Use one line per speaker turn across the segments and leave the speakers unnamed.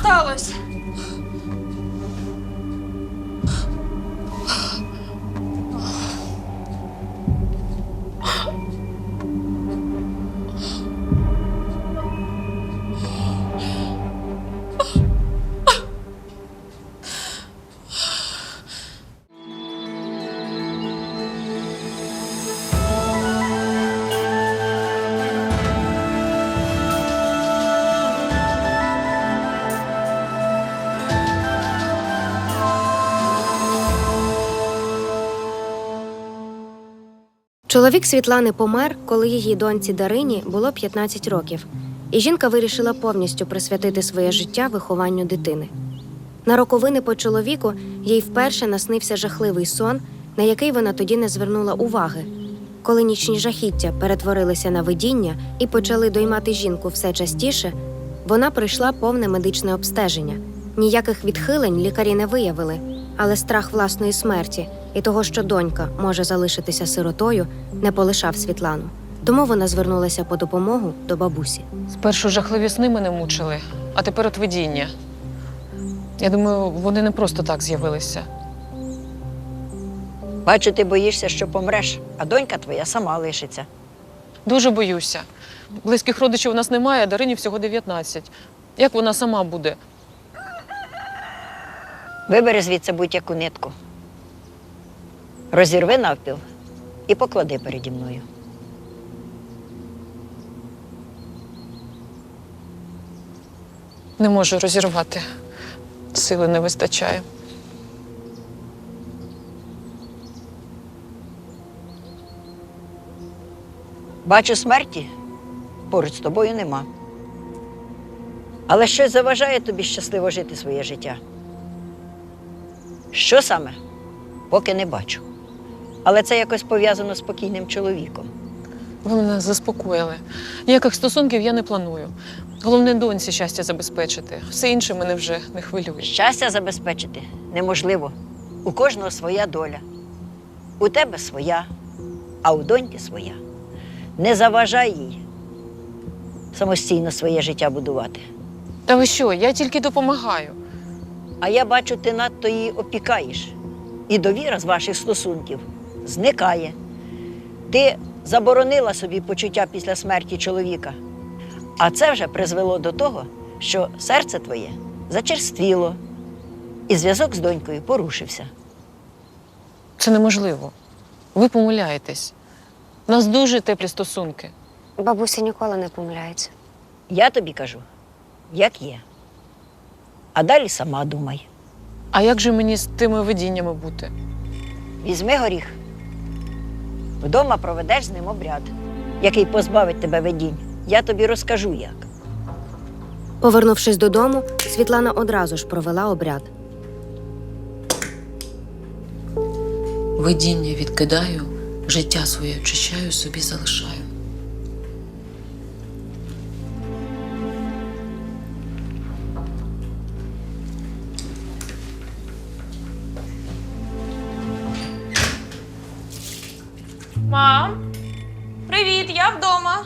сталося?
Чоловік Світлани помер, коли її доньці Дарині було 15 років, і жінка вирішила повністю присвятити своє життя вихованню дитини. На роковини по чоловіку їй вперше наснився жахливий сон, на який вона тоді не звернула уваги. Коли нічні жахіття перетворилися на видіння і почали доймати жінку все частіше, вона пройшла повне медичне обстеження. Ніяких відхилень лікарі не виявили, але страх власної смерті і того, що донька може залишитися сиротою, не полишав Світлану. Тому вона звернулася по допомогу до бабусі.
Спершу жахливі сни мене мучили, а тепер от видіння. Я думаю, вони не просто так з'явилися.
Бачу, ти боїшся, що помреш, а донька твоя сама лишиться.
Дуже боюся. Близьких родичів у нас немає, а Дарині всього 19. Як вона сама буде?
Вибери звідси будь-яку нитку. Розірви навпіл і поклади переді мною.
Не можу розірвати. Сили не вистачає.
Бачу, смерті поруч з тобою нема. Але щось заважає тобі щасливо жити своє життя. Що саме? Поки не бачу. Але це якось пов'язано з покійним чоловіком.
Ви мене заспокоїли. Ніяких стосунків я не планую. Головне доньці щастя забезпечити. Все інше мене вже не хвилює.
Щастя забезпечити неможливо. У кожного своя доля. У тебе своя, а у доньки своя. Не заважай їй самостійно своє життя будувати.
Та ви що, я тільки допомагаю.
А я бачу, ти надто її опікаєш. І довіра з ваших стосунків зникає. Ти заборонила собі почуття після смерті чоловіка. А це вже призвело до того, що серце твоє зачерствіло, і зв'язок з донькою порушився.
Це неможливо. Ви помиляєтесь. У нас дуже теплі стосунки.
Бабуся ніколи не помиляється.
Я тобі кажу, як є. А далі сама думай.
А як же мені з тими видіннями бути?
Візьми горіх. Вдома проведеш з ним обряд, який позбавить тебе видінь. Я тобі розкажу, як.
Повернувшись додому, Світлана одразу ж провела обряд.
Видіння відкидаю, життя своє очищаю, собі залишаю.
Мам, привіт, я вдома.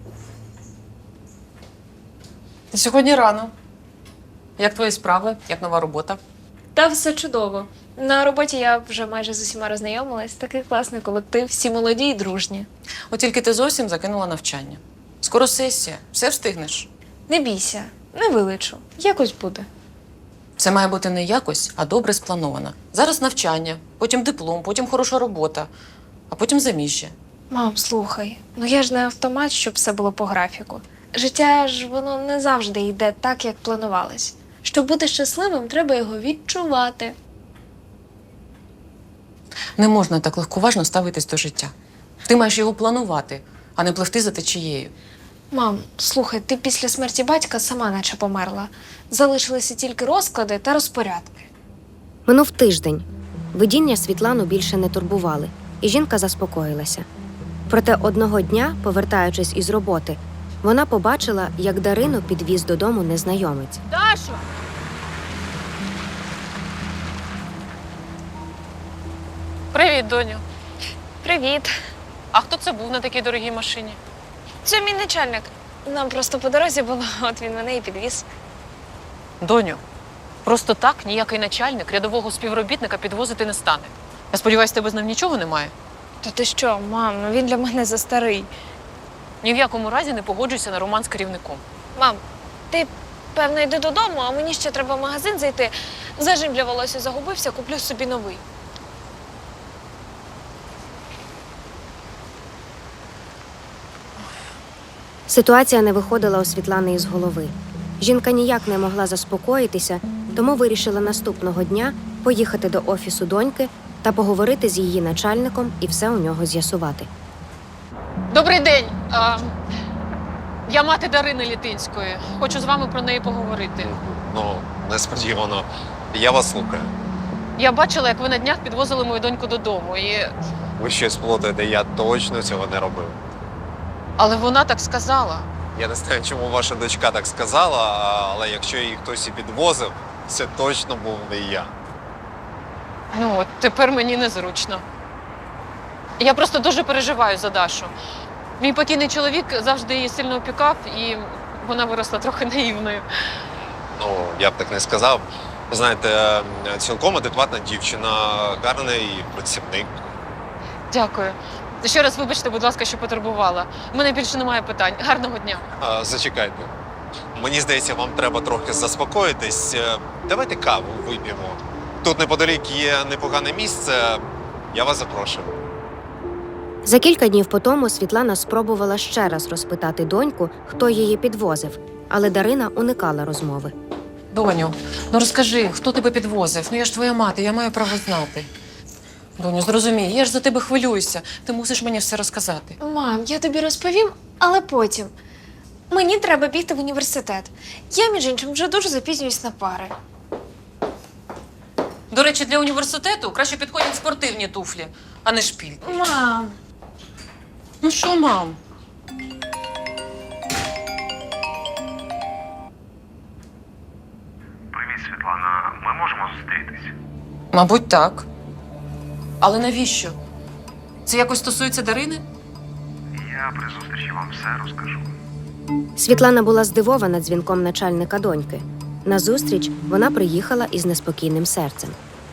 Сьогодні рано. Як твої справи? Як нова робота?
Та все чудово. На роботі я вже майже з усіма роззнайомилась. Такий класний колектив, всі молоді і дружні.
От тільки ти зовсім закинула навчання. Скоро сесія, все встигнеш.
Не бійся, не вилечу. Якось буде.
Це має бути не якось, а добре сплановано. Зараз навчання, потім диплом, потім хороша робота, а потім заміжжя.
Мам, слухай, ну я ж не автомат, щоб все було по графіку. Життя ж воно не завжди йде так, як планувалось. Щоб бути щасливим, треба його відчувати.
Не можна так легковажно ставитись до життя. Ти маєш його планувати, а не пливти за течією.
Мам, слухай, ти після смерті батька сама наче померла. Залишилися тільки розклади та розпорядки.
Минув тиждень. Видіння Світлану більше не турбували, і жінка заспокоїлася. Проте одного дня, повертаючись із роботи, вона побачила, як Дарину підвіз додому незнайомець.
Дашо!
Привіт, доню.
Привіт.
А хто це був на такій дорогій машині?
Це мій начальник. Нам просто по дорозі було, от він мене і підвіз.
Доню, просто так ніякий начальник рядового співробітника підвозити не стане. Я сподіваюся, тебе з ним нічого немає?
Та ти що, мам, ну він для мене застарий.
Ні в якому разі не погоджуйся на роман з керівником.
Мам, ти, певно, йди додому, а мені ще треба в магазин зайти. Зажим для волосся загубився, куплю собі новий.
Ситуація не виходила у Світлани із голови. Жінка ніяк не могла заспокоїтися, тому вирішила наступного дня поїхати до офісу доньки та поговорити з її начальником і все у нього з'ясувати.
Добрий день. Я мати Дарини Літинської. Хочу з вами про неї поговорити.
Ну, несподівано. Я вас слухаю.
Я бачила, як ви на днях підвозили мою доньку додому.
Ви щось плутаєте, я точно цього не робив.
Але вона так сказала.
Я не знаю, чому ваша дочка так сказала, але якщо її хтось і підвозив, це точно був не я.
Ну, от тепер мені незручно. Я просто дуже переживаю за Дашу. Мій покійний чоловік завжди її сильно опікав, і вона виросла трохи наївною.
Ну, я б так не сказав. Знаєте, цілком адекватна дівчина, гарний працівник.
Дякую. Ще раз вибачте, будь ласка, що потурбувала. У мене більше немає питань. Гарного дня.
Зачекайте. Мені здається, вам треба трохи заспокоїтись. Давайте каву вип'ємо. Тут неподалік є непогане місце. Я вас запрошую.
За кілька днів по тому Світлана спробувала ще раз розпитати доньку, хто її підвозив, але Дарина уникала розмови.
Доню, ну розкажи, хто тебе підвозив? Ну я ж твоя мати, я маю право знати. Доню, зрозумій, я ж за тебе хвилююся. Ти мусиш мені все розказати.
Мам, я тобі розповім, але потім. Мені треба бігти в університет. Я, між іншим, вже дуже запізнююсь на пари.
До речі, для університету краще підходять спортивні туфлі, а не шпільки.
Мам.
Ну що, мам?
Привіт, Світлана. Ми можемо зустрітись?
Мабуть, так. Але навіщо? Це якось стосується Дарини?
Я при зустрічі вам все розкажу.
Світлана була здивована дзвінком начальника доньки. На зустріч вона приїхала із неспокійним серцем.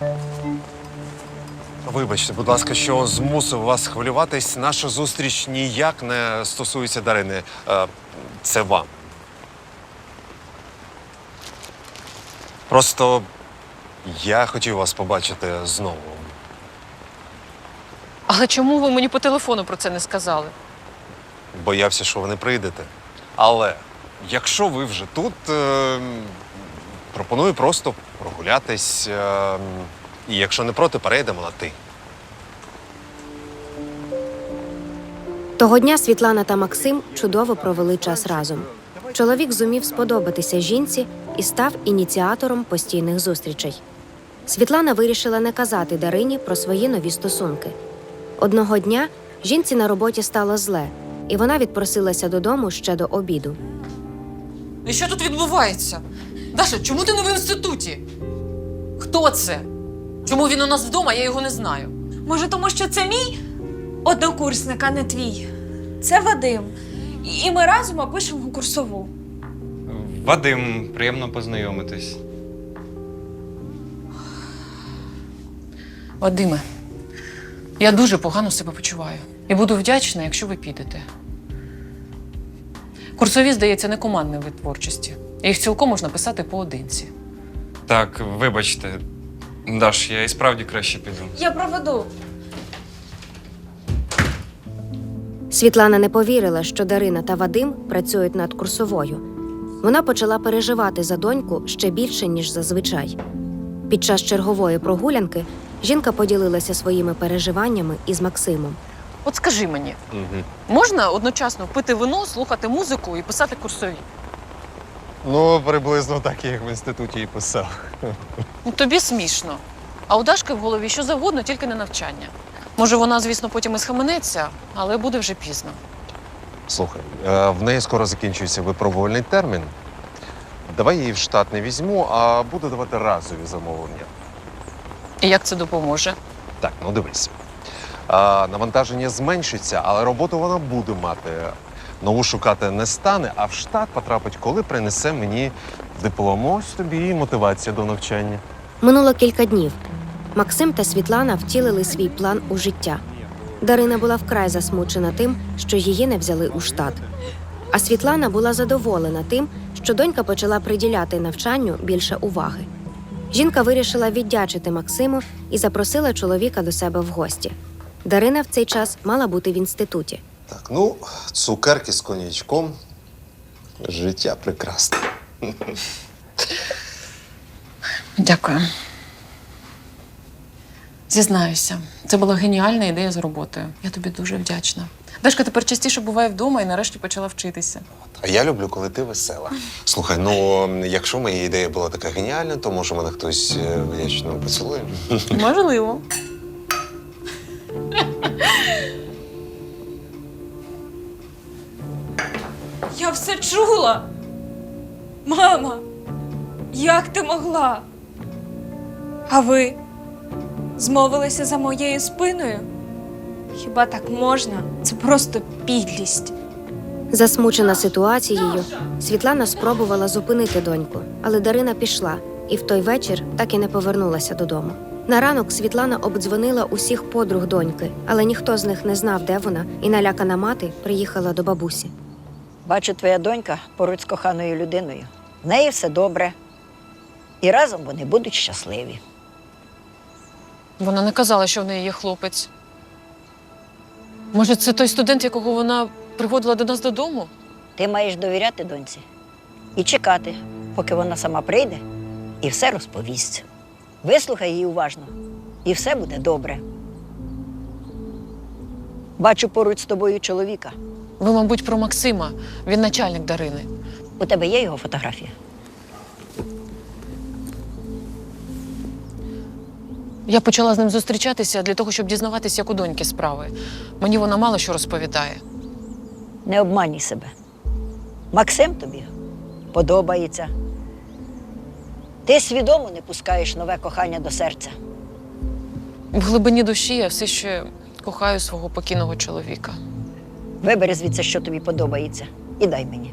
Вибачте, будь ласка, що змусив вас хвилюватись. Наша зустріч ніяк не стосується Дарини. Це вам. Просто я хотів вас побачити знову.
Але чому ви мені по телефону про це не сказали?
Боявся, що ви не прийдете. Але якщо ви вже тут, пропоную просто прогулятись. І якщо не проти, перейдемо на ти.
Того дня Світлана та Максим чудово провели час разом. Чоловік зумів сподобатися жінці і став ініціатором постійних зустрічей. Світлана вирішила не казати Дарині про свої нові стосунки. Одного дня жінці на роботі стало зле, і вона відпросилася додому ще до обіду.
І що тут відбувається? Даша, чому ти не в інституті? Хто це? Чому він у нас вдома, я його не знаю?
Може, тому що це мій однокурсник, а не твій. Це Вадим. І ми разом опишемо курсову.
Вадим, приємно познайомитись.
Вадиме, я дуже погано себе почуваю. І буду вдячна, якщо ви підете. Курсові, здається, не командний вид творчості. Їх цілком можна писати поодинці.
Так, вибачте. Даш, я і справді краще піду.
Я проведу.
Світлана не повірила, що Дарина та Вадим працюють над курсовою. Вона почала переживати за доньку ще більше, ніж зазвичай. Під час чергової прогулянки жінка поділилася своїми переживаннями із Максимом.
От скажи мені, можна одночасно пити вино, слухати музику і писати курсові?
Ну, приблизно так, як в інституті і писав.
Ну, тобі смішно. А у Дашки в голові що завгодно, тільки не навчання. Може, вона, звісно, потім і схаменеться, але буде вже пізно.
Слухай, в неї скоро закінчується випробувальний термін. Давай її в штат не візьму, а буду давати разові замовлення.
І як це допоможе?
Так, ну дивись. Навантаження зменшиться, але роботу вона буде мати. нову шукати не стане, а в штат потрапить, коли принесе мені диплом. Ось тобі і мотивація до навчання.
Минуло кілька днів. Максим та Світлана втілили свій план у життя. Дарина була вкрай засмучена тим, що її не взяли у штат. А Світлана була задоволена тим, що донька почала приділяти навчанню більше уваги. Жінка вирішила віддячити Максиму і запросила чоловіка до себе в гості. Дарина в цей час мала бути в інституті.
Так, ну, цукерки з коньячком. Життя прекрасне.
Дякую. Зізнаюся, це була геніальна ідея з роботою. Я тобі дуже вдячна. Дашка тепер частіше буває вдома і нарешті почала вчитися.
А я люблю, коли ти весела. Слухай, ну, якщо моя ідея була така геніальна, то може мене хтось вдячно поцілує?
Можливо.
Я все чула. Мама, як ти могла? А ви змовилися за моєю спиною? Хіба так можна? Це просто підлість.
Засмучена ситуацією, Світлана спробувала зупинити доньку, але Дарина пішла і в той вечір так і не повернулася додому. На ранок Світлана обдзвонила усіх подруг доньки, але ніхто з них не знав, де вона, і налякана мати приїхала до бабусі.
Бачу, твоя донька поруч з коханою людиною. В неї все добре. І разом вони будуть щасливі.
Вона не казала, що в неї є хлопець. Може, це той студент, якого вона приводила до нас додому?
Ти маєш довіряти доньці і чекати, поки вона сама прийде і все розповість. Вислухай її уважно, і все буде добре. Бачу поруч з тобою чоловіка.
Ви, мабуть, про Максима. Він начальник Дарини.
У тебе є його фотографія?
Я почала з ним зустрічатися для того, щоб дізнаватися, як у доньки справи. Мені вона мало що розповідає.
Не обманюй себе. Максим тобі подобається. Ти свідомо не пускаєш нове кохання до серця.
В глибині душі я все ще кохаю свого покійного чоловіка.
Вибери звідси, що тобі подобається, і дай мені.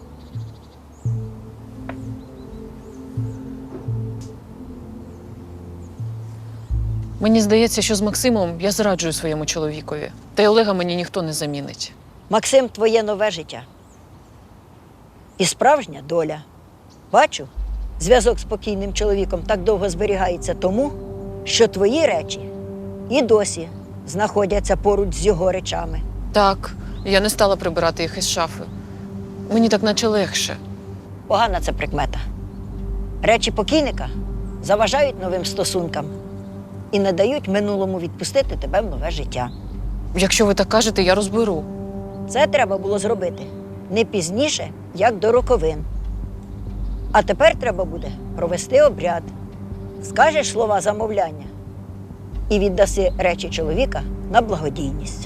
Мені здається, що з Максимом я зраджую своєму чоловікові. Та й Олега мені ніхто не замінить.
Максим, твоє нове життя. І справжня доля. Бачу, зв'язок з покійним чоловіком так довго зберігається тому, що твої речі і досі знаходяться поруч з його речами.
Так, я не стала прибирати їх із шафи. Мені так наче легше.
Погана це прикмета. Речі покійника заважають новим стосункам і не дають минулому відпустити тебе в нове життя.
Якщо ви так кажете, я розберу.
Це треба було зробити не пізніше, як до роковин. А тепер треба буде провести обряд. Скажеш слова замовляння і віддаси речі чоловіка на благодійність.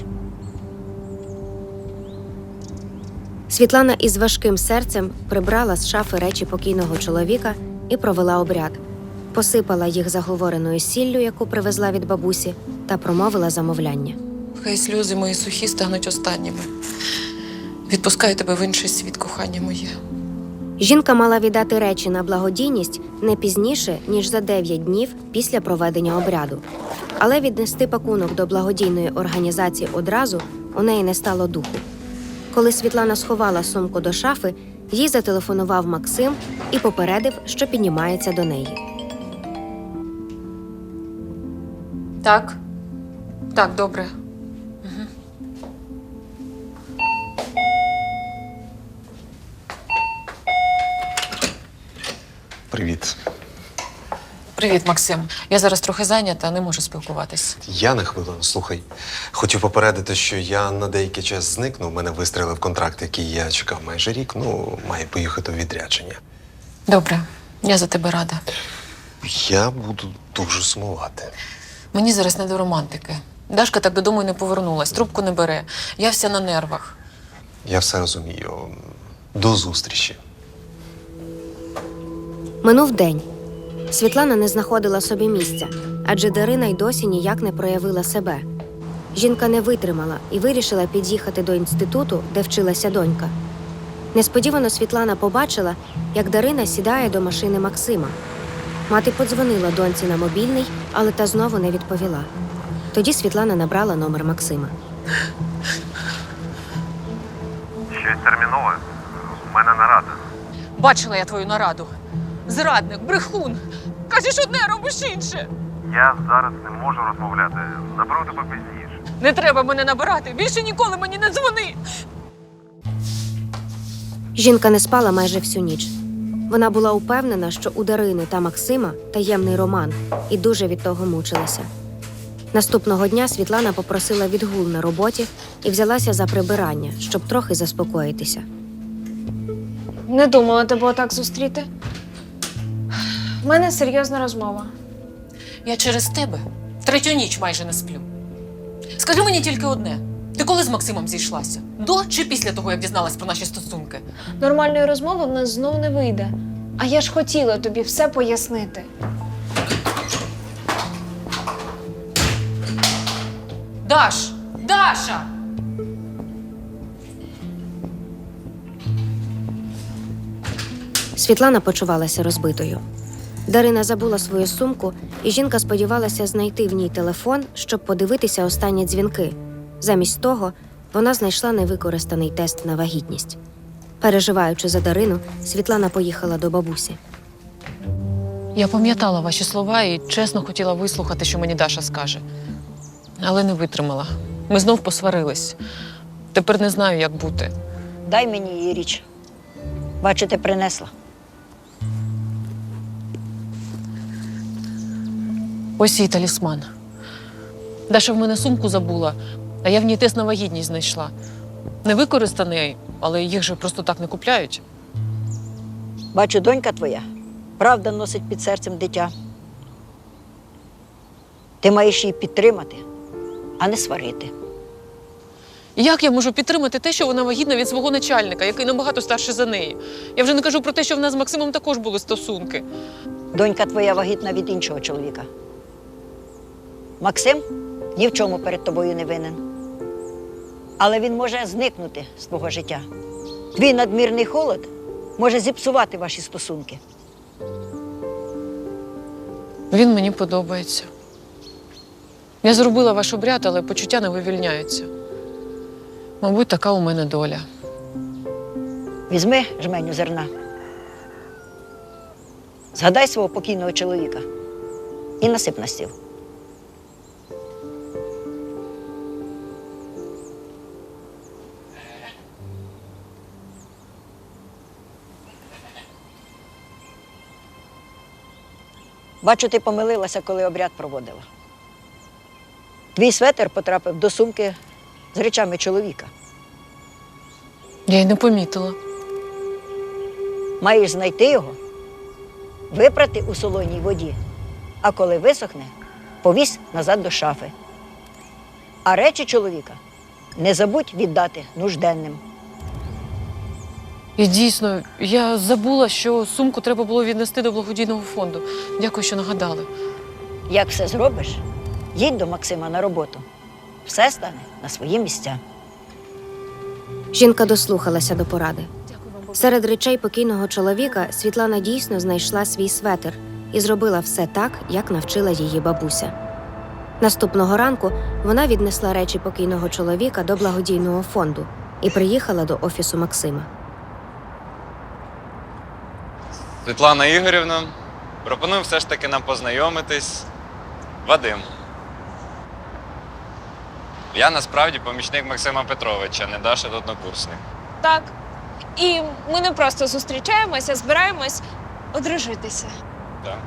Світлана із важким серцем прибрала з шафи речі покійного чоловіка і провела обряд. Посипала їх заговореною сіллю, яку привезла від бабусі, та промовила замовляння.
Хай сльози мої сухі стануть останніми. Відпускаю тебе в інший світ, кохання моє.
Жінка мала віддати речі на благодійність не пізніше, ніж за 9 днів після проведення обряду. Але віднести пакунок до благодійної організації одразу у неї не стало духу. Коли Світлана сховала сумку до шафи, їй зателефонував Максим і попередив, що піднімається до неї.
Так? Так, добре.
Привіт.
Привіт, Максим. Я зараз трохи зайнята, не можу спілкуватись.
Я на хвилину, слухай. Хотів попередити, що я на деякий час зникну. Мене вистрелив контракт, який я чекав майже рік. Ну, маю поїхати у відрядження.
Добре, я за тебе рада.
Я буду дуже сумувати.
Мені зараз не до романтики. Дашка так додому й не повернулась, трубку не бере. Я вся на нервах.
Я все розумію. До зустрічі.
Минув день. Світлана не знаходила собі місця, адже Дарина й досі ніяк не проявила себе. Жінка не витримала і вирішила під'їхати до інституту, де вчилася донька. Несподівано Світлана побачила, як Дарина сідає до машини Максима. Мати подзвонила доньці на мобільний, але та знову не відповіла. Тоді Світлана набрала номер Максима.
Щось термінове. У мене нарада.
Бачила я твою нараду. Зрадник, брехун. Кажеш одне, робиш інше.
Я зараз не можу розмовляти. Наберу тебе пізніше.
Не треба мене набирати. Більше ніколи мені не дзвони.
Жінка не спала майже всю ніч. Вона була упевнена, що у Дарини та Максима таємний роман, і дуже від того мучилася. Наступного дня Світлана попросила відгул на роботі і взялася за прибирання, щоб трохи заспокоїтися.
Не думала тебе отак зустріти. У мене серйозна розмова.
Я через тебе третю ніч майже не сплю. Скажи мені тільки одне: ти коли з Максимом зійшлася? До чи після того, як дізналась про наші стосунки?
Нормальної розмови в нас знов не вийде. А я ж хотіла тобі все пояснити.
Даш! Даша!
Світлана почувалася розбитою. Дарина забула свою сумку, і жінка сподівалася знайти в ній телефон, щоб подивитися останні дзвінки. Замість того, вона знайшла невикористаний тест на вагітність. Переживаючи за Дарину, Світлана поїхала до бабусі.
Я пам'ятала ваші слова і чесно хотіла вислухати, що мені Даша скаже. Але не витримала. Ми знов посварились. Тепер не знаю, як бути.
Дай мені її річ. Бачите, принесла.
Ось її талісман. Даша в мене сумку забула, а я в ній тест на вагітність знайшла. Не використаний, але їх же просто так не купляють.
Бачу, донька твоя правда носить під серцем дитя. Ти маєш її підтримати, а не сварити.
Як я можу підтримати те, що вона вагітна від свого начальника, який набагато старший за неї? Я вже не кажу про те, що в нас з Максимом також були стосунки.
Донька твоя вагітна від іншого чоловіка. Максим ні в чому перед тобою не винен. Але він може зникнути з твого життя. Твій надмірний холод може зіпсувати ваші стосунки.
Він мені подобається. Я зробила ваш обряд, але почуття не вивільняються. Мабуть, така у мене доля.
Візьми жменю зерна. Згадай свого покійного чоловіка і насип на стіл. Бачу, ти помилилася, коли обряд проводила. Твій светр потрапив до сумки з речами чоловіка.
Я й не помітила.
Маєш знайти його, випрати у солоній воді, а коли висохне, повісь назад до шафи. А речі чоловіка не забудь віддати нужденним.
І дійсно, я забула, що сумку треба було віднести до благодійного фонду. Дякую, що нагадали.
Як все зробиш, їдь до Максима на роботу. Все стане на свої місця.
Жінка дослухалася до поради. Серед речей покійного чоловіка Світлана дійсно знайшла свій светр і зробила все так, як навчила її бабуся. Наступного ранку вона віднесла речі покійного чоловіка до благодійного фонду і приїхала до офісу Максима.
Світлана Ігорівна, пропоную все ж таки нам познайомитись. Вадим. Я насправді помічник Максима Петровича, не Даша однокурсник.
Так. І ми не просто зустрічаємося, збираємось одружитися.
Так.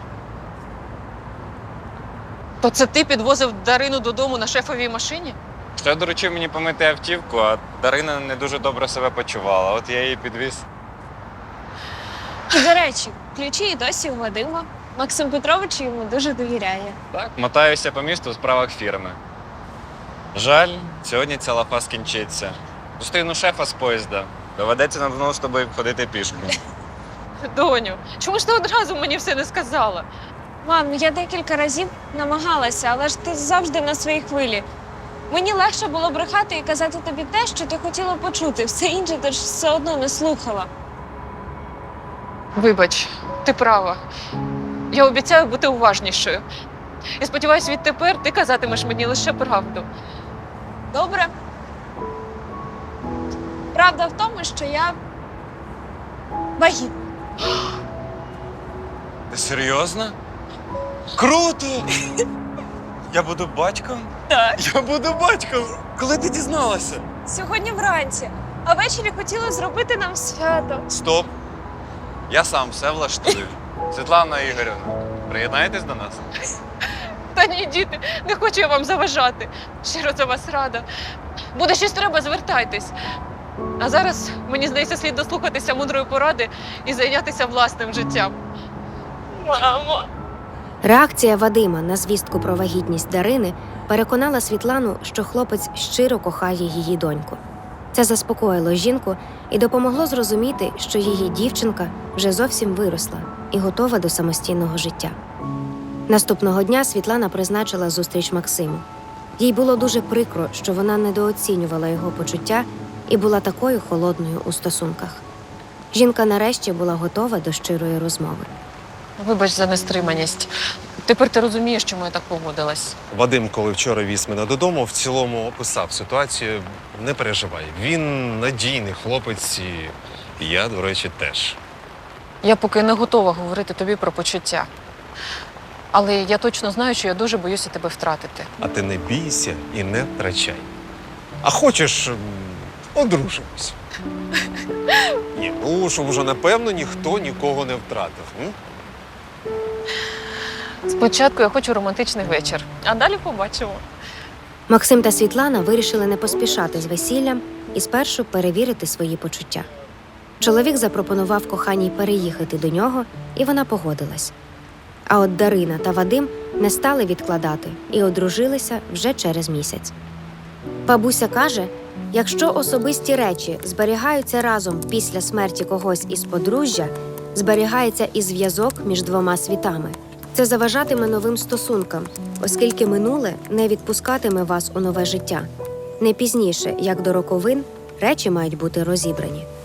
То це ти підвозив Дарину додому на шефовій машині?
Ще доручив мені помити автівку, а Дарина не дуже добре себе почувала. От я її підвіз.
І, до речі, ключі і досі у Вадима. Максим Петрович йому дуже довіряє.
Так, мотаюся по місту у справах фірми. Жаль, сьогодні ця лафа скінчиться. Зустріну шефа з поїзда. Доведеться нам знову з тобою ходити пішки.
Доню, чому ж ти одразу мені все не сказала?
Мам, я декілька разів намагалася, але ж ти завжди на своїй хвилі.
Мені легше було брехати і казати тобі те, що ти хотіла почути. Все інше ти ж все одно не слухала.
Вибач, ти права. Я обіцяю бути уважнішою. І сподіваюсь, відтепер ти казатимеш мені лише правду.
Добре? Правда в тому, що я вагітна.
Ти серйозно? Круто! Я буду батьком?
Так.
Я буду батьком! Коли ти дізналася?
Сьогодні вранці. А ввечері хотіли зробити нам свято.
Стоп! Я сам все влаштую. Світлана Ігорівна, приєднаєтесь до нас?
Та ні, діти, не хочу я вам заважати. Щиро за вас рада. Буде щось треба, звертайтесь. А зараз, мені здається, слід дослухатися мудрої поради і зайнятися власним життям.
Мамо.
Реакція Вадима на звістку про вагітність Дарини переконала Світлану, що хлопець щиро кохає її доньку. Це заспокоїло жінку і допомогло зрозуміти, що її дівчинка вже зовсім виросла і готова до самостійного життя. Наступного дня Світлана призначила зустріч Максиму. Їй було дуже прикро, що вона недооцінювала його почуття і була такою холодною у стосунках. Жінка нарешті була готова до щирої розмови.
Вибач за нестриманість. Тепер ти розумієш, чому я так поводилась.
Вадим, коли вчора віз мене додому, в цілому описав ситуацію. Не переживай. Він надійний хлопець, і я, до речі, теж.
Я поки не готова говорити тобі про почуття. Але я точно знаю, що я дуже боюся тебе втратити.
А ти не бійся і не втрачай. А хочеш, одружимось. Ні, ну, щоб уже напевно ніхто нікого не втратив. М?
Спочатку я хочу романтичний вечір, а далі побачимо.
Максим та Світлана вирішили не поспішати з весіллям і спершу перевірити свої почуття. Чоловік запропонував коханій переїхати до нього, і вона погодилась. А от Дарина та Вадим не стали відкладати і одружилися вже через місяць. Бабуся каже, якщо особисті речі зберігаються разом після смерті когось із подружжя, зберігається і зв'язок між двома світами. Це заважатиме новим стосункам, оскільки минуле не відпускатиме вас у нове життя. Не пізніше, як до роковин, речі мають бути розібрані.